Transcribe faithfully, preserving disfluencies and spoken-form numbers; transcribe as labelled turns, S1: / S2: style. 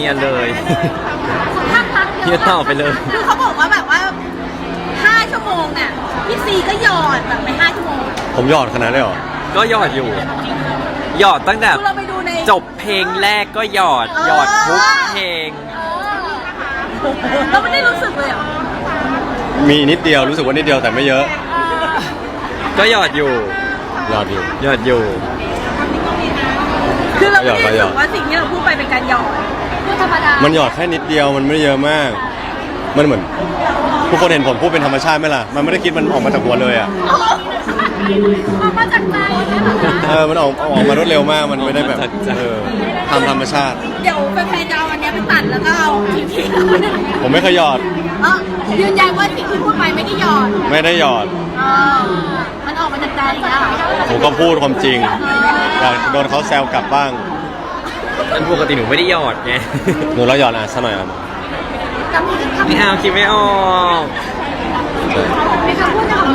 S1: ฮียเลย
S2: พักพัก
S1: เฮียต่อไปเลย
S2: คือเขาบอกว่าแบบว่าห้าชั่วโมงเนี่ยพี่ซีก็หยอดแบบไปห้าชั่วโมง
S3: ผมหยอดขนาดได้หรอ
S1: ก็หยอดอยู่ หยอดตั้งแต่
S2: คือเราไปดูใน
S1: จบเพลงแรกก็หยอด หยอดทุกเพลง
S2: เราไม่ได้รู้สึกเลยเหรอ
S3: มีนิดเดียวรู้สึกว่านิดเดียวแต่ไม่เยอะ
S1: ก็หยอดอยู่
S3: หยอดอยู่
S1: หยอดอยู่
S2: คือเราไม่ได้รู้
S3: หย
S2: สึ
S3: อด
S2: กว่าสิ่งที่เราพูดไปเป็นการหยอดพูดธรรมดา
S3: มันหยอดแค่นิดเดียวมันไม่ได้เยอะมาก มันเหมือนทุกคนเห็นผมพูดเป็นธรรมชาติไหมล่ะ มันไม่ได้คิดมันออกมาจากหัวเลยอ่ะ
S2: ออกมาจากใจเนี่ยเหรอคะ
S3: เออ มันออกออกมารวดเร็วมาก มันไม่ได้แบบ
S1: ออกมาจากใจ
S3: เออทำธรรมชาติ
S2: เดี๋ยวแฟนๆจะเอาอันเนี้ยไปตัดแล้วก็เอาทิ้งๆ
S3: ผมไม่เคยหยอด
S2: เออยืนยันว่าสิ่งที่พูดไปไม่ได้หยอด
S3: ไม่ได้หยอด
S2: เออมันออกมาจากใจนะ
S3: ผมก็พูดความจริงอยากโดนเขาแซวกลับบ้าง
S1: อันปกติหนูไม่ได้หยอดไง
S3: หนูเราหยอดอ่ะสักหน่อยครับ
S2: คำพูดคำ
S1: ไม่เอาคิดไม่ออก
S2: ในคำพูดของ